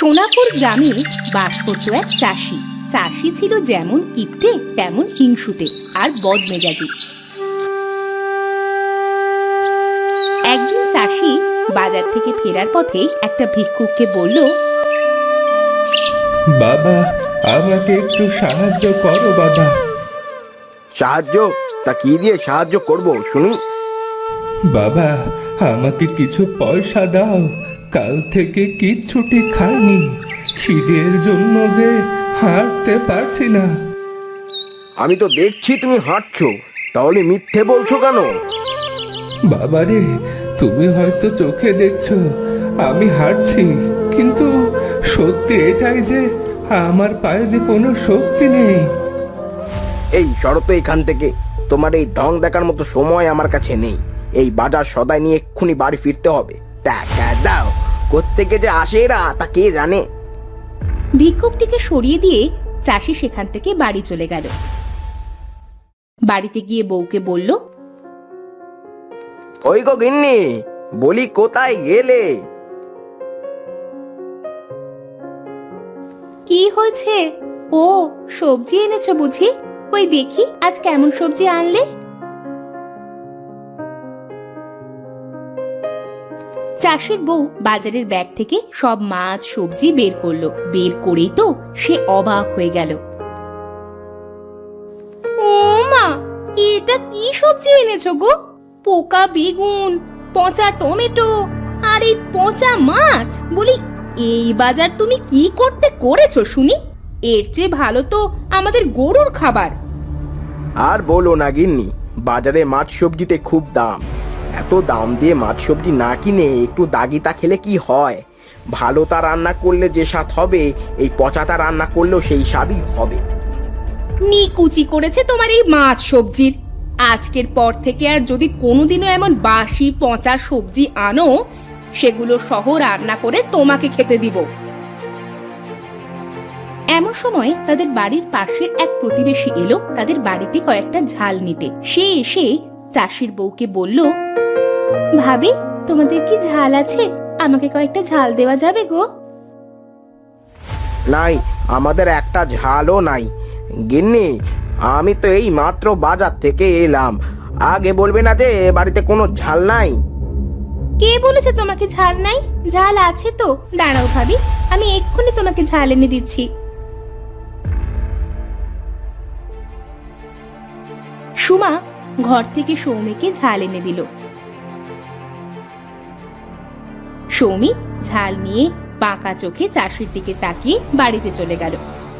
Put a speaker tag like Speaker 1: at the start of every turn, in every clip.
Speaker 1: সোনাপুর গ্রামে বাস করত এক চাষি। চাষি ছিল যেমন কিপটে তেমন হিংসুটে আর বদমেজাজি। একদিন চাষি বাজার থেকে ফেরার পথে একটা ভিক্ষুককে বলল,
Speaker 2: বাবা, আমাকে একটু সাহায্য করো বাবা।
Speaker 3: সাহায্য? তা কি দিয়ে সাহায্য করব শুনি?
Speaker 2: বাবা, আমাকে কিছু পয়সা দাও, কাল থেকে কিচ্ছুটি খাইনি, খিদের জন্য যে হাঁটতে পারছি না।
Speaker 3: আমি তো দেখছি তুমি হাঁটছো, তাহলে মিথ্যে বলছো কেন?
Speaker 2: বাবারে, তুমি হয়তো চোখে দেখছো আমি হাঁটছি, কিন্তু সত্যি এটাই যে আমার পায়ে যে কোনো শক্তি নেই।
Speaker 3: এই শরত এখান থেকে, তোমার এই ঢং দেখার মতো সময় আমার কাছে নেই। এই বাজার সদাই নিয়ে এক্ষুনি বাড়ি ফিরতে হবে। টাকা দাও, কোত্থেকে যে আসে এরা তা কে জানে।
Speaker 1: ভিক্ষুকটিকে সরিয়ে দিয়ে চাষি সেখান থেকে বাড়ি চলে গেল। বাড়িতে গিয়ে বউকে বলল,
Speaker 3: ওই গো গিন্নি, বলি কোথায় গেলে?
Speaker 1: কি হয়েছে? ও, সবজি এনেছো বুঝি? কই দেখি আজ কেমন সবজি আনলে। চাষির বউ বাজারের ব্যাগ থেকে সব মাছ সবজি বের করলো। বের করেই তো সে অবাক হয়ে গেল। ও মা, এটা কি সবজি এনেছো গো? পোকা বেগুন, পচা টমেটো আর এই পচা মাছ। বলি, এই বাজার তুমি কি করতে করেছো শুনি? এর চেয়ে ভালো তো আমাদের গরুর খাবার।
Speaker 3: আর বলো না গিন্নি, বাজারে মাছ সবজিতে খুব দাম। এত দাম দিয়ে মাছ সবজি না কিনে একটু দাগিতা খেলে কি হয়? ভালোটা রান্না করলে যে স্বাদ হবে, এই পচাটা রান্না করলেও সেই স্বাদই হবে।
Speaker 1: নিকুচি করেছে তোমার এই মাছ সবজির। আজকের পর থেকে আর যদি কোনোদিনও এমন বাসি পচা সবজি আনো, সেগুলো সহ রান্না করে তোমাকে খেতে দিব। এমন সময় তাদের বাড়ির পাশের এক প্রতিবেশী এলো তাদের বাড়িতে কয়েকটা ঝাল নিতে। সে এসে চাষির বউকে বলল, ভাবি, তোমাদের কি ঝাল আছে? আমাকে কয়েকটা ঝাল দেওয়া যাবে গো?
Speaker 3: নাই, আমাদের একটা ঝালও নাই। গিন্নি, আমি তো এই মাত্র বাজার থেকে এলাম, আগে বলবে না যে বাড়িতে কোনো ঝাল নাই?
Speaker 1: কে বলেছে তোমাকে ঝাল নাই? ঝাল আছে তো। দাঁড়াও ভাবি, আমি এক্ষুনি তোমাকে ঝাল এনে দিচ্ছি। সুমা ঘর থেকে সৌমিকে ঝাল এনে দিল। সৌমি ঝাল নিয়ে বাঁকা চোখে চাষির দিকে তাকিয়ে বাড়িতে চলে গেল।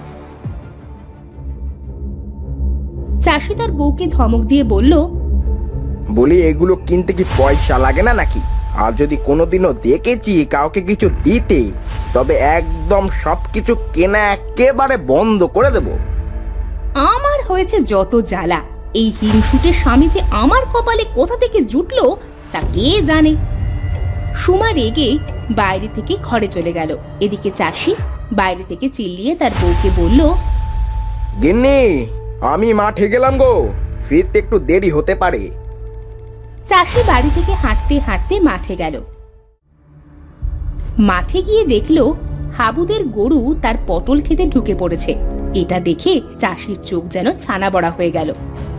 Speaker 1: চাষি তার বউকে ধমক দিয়ে বলল,
Speaker 3: বলি, এগুলো কিনতে কি পয়সা লাগে না নাকি? আর যদি কোনোদিনও দেখেছি কাউকে কিছু দিতে, তবে একদম সবকিছু কেনা একেবারে বন্ধ করে দেব।
Speaker 1: আমার হয়েছে যত জ্বালা। এই হিংসুটের স্বামী যে আমার কপালে কোথা থেকে জুটলো তা কে জানে। সুমা রেগে বাইরে থেকে ঘরে চলে গেল। এদিকে চাষি বাইরে থেকে চিল্লিয়ে তার বউকে বলল,
Speaker 3: গিন্নি, আমি মাঠে গেলাম গো, ফিরতে একটু দেরি হতে পারে।
Speaker 1: চাষি বাড়ি থেকে হাঁটতে হাঁটতে মাঠে গেল। মাঠে গিয়ে দেখলো হাবুদের গরু তার পটল খেতে ঢুকে পড়েছে। এটা দেখে চাষির চোখ যেন ছানা বড়া হয়ে গেল।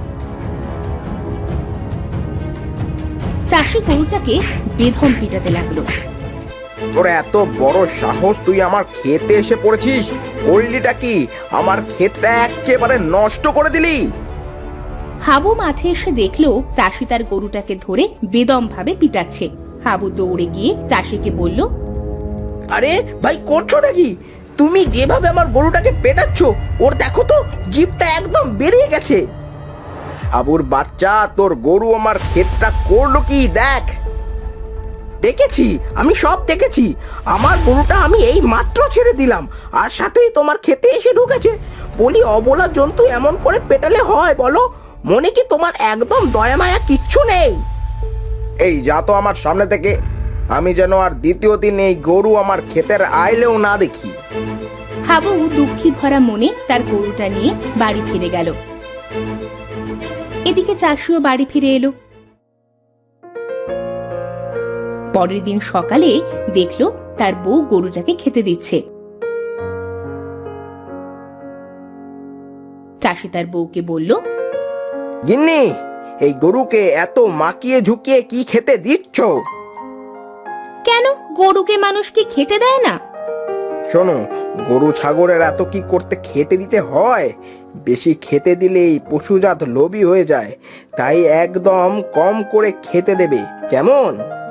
Speaker 1: চাষি গরুটাকে বেধম পিটাতে লাগলো।
Speaker 3: তোর এত বড় সাহস, তুই আমার ক্ষেতে এসে পড়েছিস? করলিটা কি? আমার ক্ষেতটা একেবারে নষ্ট করে দিলি।
Speaker 1: হাবু মাঠে এসে দেখলো চাষি তার গরুটাকে ধরে বেদম ভাবে পিটাচ্ছে। হাবু দৌড়ে গিয়ে চাষিকে বলল,
Speaker 3: আরে ভাই, করছো নাকি? তুমি যেভাবে আমার গরুটাকে পেটাচ্ছ, ওর দেখো তো জিভটা একদম বেরিয়ে গেছে। আবুর বাচ্চা, তোর গরু আমার ক্ষেতটা করলো কি দেখ। দেখেছি, আমি সব দেখেছি। আমার গরুটা আমি এই মাত্র ছেড়ে দিলাম, আর সাথেই তোমার ক্ষেতে এসে ঢুকেছে। বলি, অবলা জন্তু এমন করে পেটালে হয় বলো? মনে কি তোমার একদম দয়া মায়া কিচ্ছু নেই? এই যা তো আমার সামনে থেকে, আমি যেন আর দ্বিতীয় দিন এই গরু আমার ক্ষেতের আইলেও না দেখি।
Speaker 1: হাবু দুঃখী ভরা মনে তার গরুটা নিয়ে বাড়ি ফিরে গেল। এদিকে চাষিও বাড়ি ফিরে এলো। পরের দিন সকালে দেখলো তার বউ গরুটাকে খেতে দিচ্ছে। চাষি তার বউকে বলল,
Speaker 3: গিন্নি, এই গরুকে এত মাকিয়ে ঝুঁকিয়ে কি খেতে দিচ্ছ?
Speaker 1: কেন গরুকে মানুষ কি খেতে দেয় না?
Speaker 3: শোনো, গরু ছাগলের এত কি করতে খেতে দিতে হয়? বেশি খেতে দিলেই পশুজাত লোভী হয়ে যায়, তাই একদম কম করে খেতে দেবে, কেমন?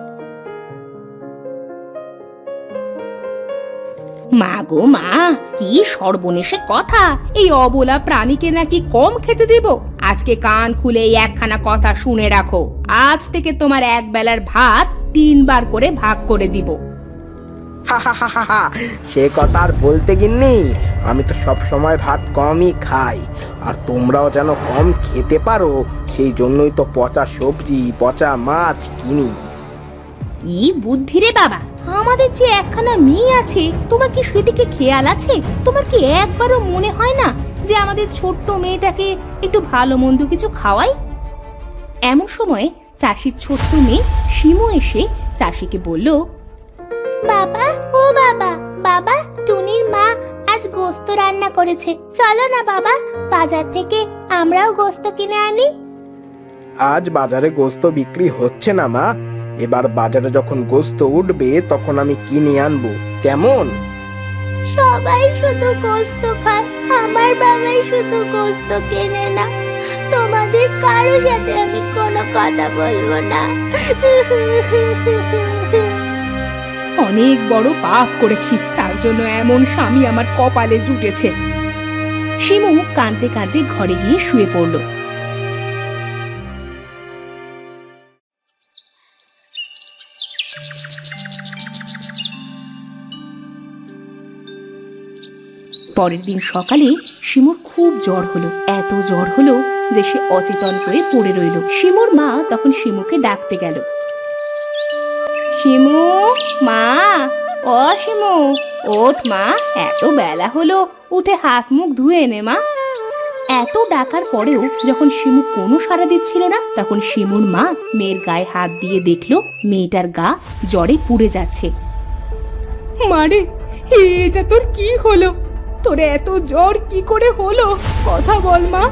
Speaker 1: মা গো মা, কি সর্বনেশে কথা! এই অবলা প্রাণীকে নাকি কম খেতে দেব? আজকে কান খুলে এই একখানা কথা শুনে রাখো, আজ থেকে তোমার এক বেলার ভাত 3 বার করে ভাগ করে দিব।
Speaker 3: সে কথা আর বলতে গিন্নি, আমি তো সব সময় ভাত কমই খাই, আর তোমরাও যেন কম খেতে পারো সেই জন্যই তো পচা সবজি পচা মাছ কিনি।
Speaker 1: কি বুদ্ধি রে বাবা! আমাদের যে একখানা মেয়ে আছে, তোমার কি সেদিকে খেয়াল আছে? তোমার কি একবারও মনে হয় না যে আমাদের ছোট্ট মেয়েটাকে একটু ভালো মন্দ কিছু খাওয়াই? এমন সময় চাষির ছোট্ট মেয়ে শিমু এসে চাষিকে বলল, বাবা, ও বাবা, বাবা, টুনির মা আজ গোস্ত রান্না করেছে, চলো না বাবা, বাজার থেকে আমরাও গোস্ত কিনে আনি।
Speaker 3: আজ বাজারে গোস্ত বিক্রি হচ্ছে না মা, এবার বাজারে যখন গোস্ত উঠবে তখন আমি কিনে আনবো, কেমন?
Speaker 1: সবাই শুধু গোস্ত খায়, আমার বাবাই শুধু গোস্ত কেনে না। তোমাদের কারো সাথে আমি কোনো কথা বলবো না। অনেক বড় পাপ করেছি, তার জন্য এমন স্বামী আমার কপালে জুটেছে। শিমু কাঁদতে কাঁদতে ঘরে গিয়ে শুয়ে পড়ল। পরের দিন সকালে শিমুর খুব জ্বর হলো, এত জ্বর হলো যে সে অচেতন হয়ে পড়ে রইল। শিমুর মা তখন শিমুকে ডাকতে গেল, শিমু মা, ও শিমু, ওঠ মা, এত বেলা হলো, উঠে হাত মুখ ধুয়ে নে মা। এত ডাকার পরেও যখন শিমু কোনো সাড়া দিচ্ছিল না, তখন শিমুর মা মেয়ের গায়ে হাত দিয়ে দেখলো মেয়েটার গা জ্বরে পুড়ে যাচ্ছে। মারে, এটা তোর কি হলো? তোর এত জ্বর কি করে হলো? কথা বল মা।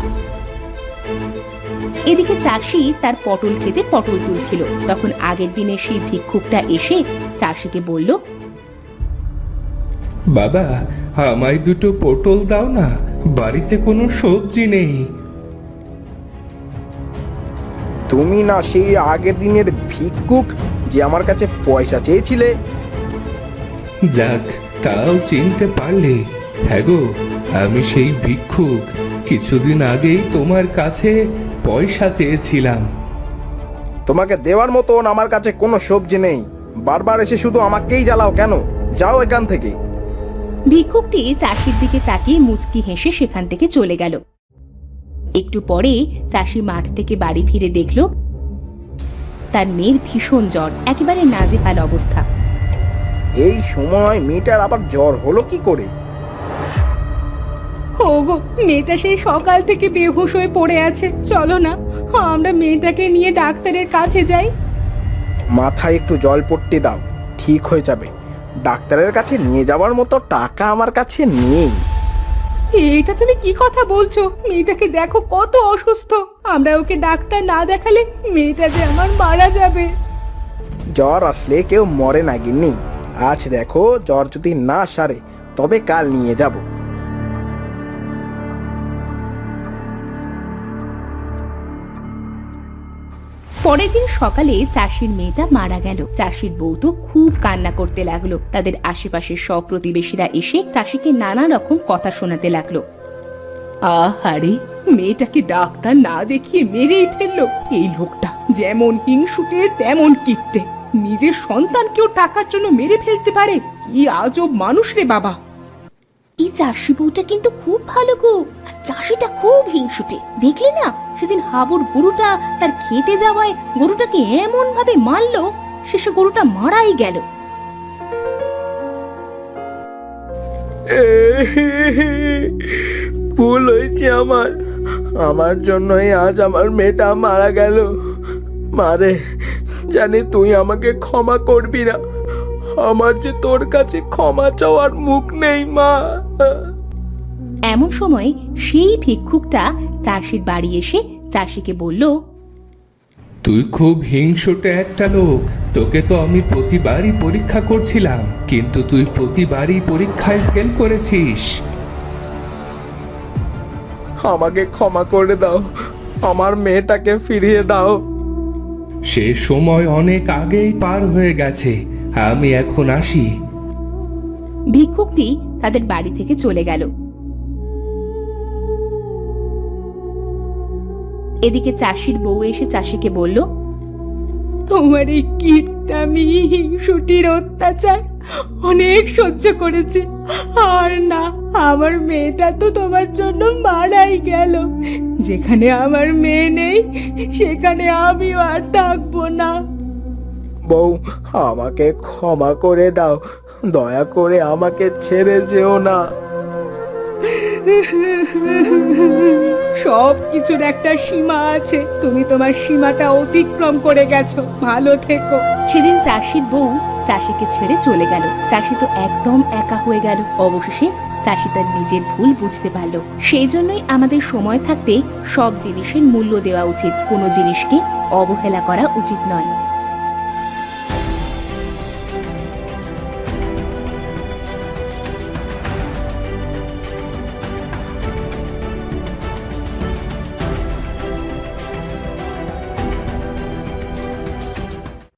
Speaker 1: এদিকে চাষি তার পটল খেতে পটল তুলছিল, তখন আগের দিনে সেই ভিক্ষুকটা এসে চাষিকে বলল,
Speaker 2: বাবা, আমায় 2টো পটল দাও না, বাড়িতে কোনো সবজি নেই।
Speaker 3: তুমি না সেই আগের দিনের ভিক্ষুক যে আমার কাছে পয়সা চেয়েছিলে?
Speaker 2: যাক, তাও চিনতে পারলে। হ্যাঁ গো, আমি সেই ভিক্ষুক, কিছুদিন আগেই তোমার কাছে পয়সা চেয়েছিলাম।
Speaker 3: তোমাকে দেওয়ার মতন আমার কাছে কোনো সবজি নেই, বারবার এসে শুধু আমাকেই জ্বালাও কেন? যাও এখান থেকে।
Speaker 1: ভিক্ষুকটি চাষির দিকে তাকিয়ে মুচকি হেসে সেখান থেকে চলে গেল। একটু পরে চাষি মাঠ থেকে বাড়ি ফিরে দেখলো তার মেয়ের ভীষণ জ্বর, একেবারে নাজেহাল অবস্থা।
Speaker 3: এই সময় মেয়েটার আবার জ্বর হলো কি করে?
Speaker 1: ওগো, মেয়েটা সেই সকাল থেকে বেহুশ হয়ে পড়ে আছে, চলো না আমরা মেয়েটাকে নিয়ে ডাক্তারের কাছে যাই।
Speaker 3: মাথায় একটু জলপট্টি দাও, ঠিক হয়ে যাবে। ডাক্তারের কাছে নিয়ে যাওয়ার মতো টাকা আমার কাছে নেই।
Speaker 1: এটা তুমি কি কথা বলছো? মেয়েটাকে দেখো কত অসুস্থ, আমরা ওকে ডাক্তার না দেখালে মেয়েটা যে আমার মারা যাবে।
Speaker 3: জ্বর আসলে কেউ মরে না গিন্নি, আজ দেখো জ্বর যদি না সারে তবে কাল নিয়ে যাব।
Speaker 1: পরের দিন সকালে চাষির মেয়েটা মারা গেল। চাষির বউ তো খুব কান্না করতে লাগলো। তাদের আশেপাশের সব প্রতিবেশীরা এসে চাষিকে নানা রকম কথা শোনাতে লাগলো। আহারে, মেয়েটাকে ডাক্তার না দেখিয়ে মেরেই ফেললো। এই লোকটা যেমন হিংসুটে তেমন কিপটে, নিজের সন্তানকেও টাকার জন্য মেরে ফেলতে পারে। কি আজব মানুষ রে বাবা! এই চাষি বউটা কিন্তু খুব ভালো গো, আর চাষিটা খুব হিংসুটে। দেখলি না সেদিন হাবুর গরুটা তার খেতে যাওয়ায় গরুটাকে এমন ভাবে মারলো, শেষে গরুটা মারাই গেল।
Speaker 3: ভুল হয়েছে আমার জন্যই আজ আমার মেয়েটা মারা গেল। মারে, জানি তুই আমাকে ক্ষমা করবি না, আমার যে তোর কাছে ক্ষমা চাওয়ার মুখ নেই মা।
Speaker 1: এমন সময় সেই ভিক্ষুকটা চাষির বাড়ি এসে চাষিকে বলল,
Speaker 2: তুই খুব হিংসুটে একটা লোক। তোকে তো আমি প্রতিবারই পরীক্ষা করছিলাম, কিন্তু তুই প্রতিবারই পরীক্ষায় ফেল করেছিস।
Speaker 3: আমাকে ক্ষমা করে দাও, আমার মেয়েটাকে ফিরিয়ে দাও।
Speaker 2: সে সময় অনেক আগেই পার হয়ে গেছে, আমি এখন আসি।
Speaker 1: ভিক্ষুকটি তাদের বাড়ি থেকে চলে গেল। এদিকে চাষির বউ এসে চাষিকে বলল, তোমার এই কীটনামি হিংসুটির অত্যাচার অনেক সহ্য করেছে, আর না, আমার মেয়েটা তো তোমার জন্য মারাই গেল। যেখানে আমার মেয়ে নেই সেখানে আমিও আর থাকবো না।
Speaker 3: বউ, আমাকে ক্ষমা করে দাও, দয়া করে আমাকে ছেড়ে যেও না।
Speaker 1: সব কিছুর একটা সীমা আছে, তুমি তোমার সীমাটা অতিক্রম করে গেছো, ভালো থেকো। সেদিন চাষির বউ চাষিকে ছেড়ে চলে গেল। চাষি তো একদম একা হয়ে গেল। অবশেষে চাষি তার নিজের ভুল বুঝতে পারল। সেই জন্যই আমাদের সময় থাকতে সব জিনিসের মূল্য দেওয়া উচিত, কোনো জিনিসকে অবহেলা করা উচিত নয়।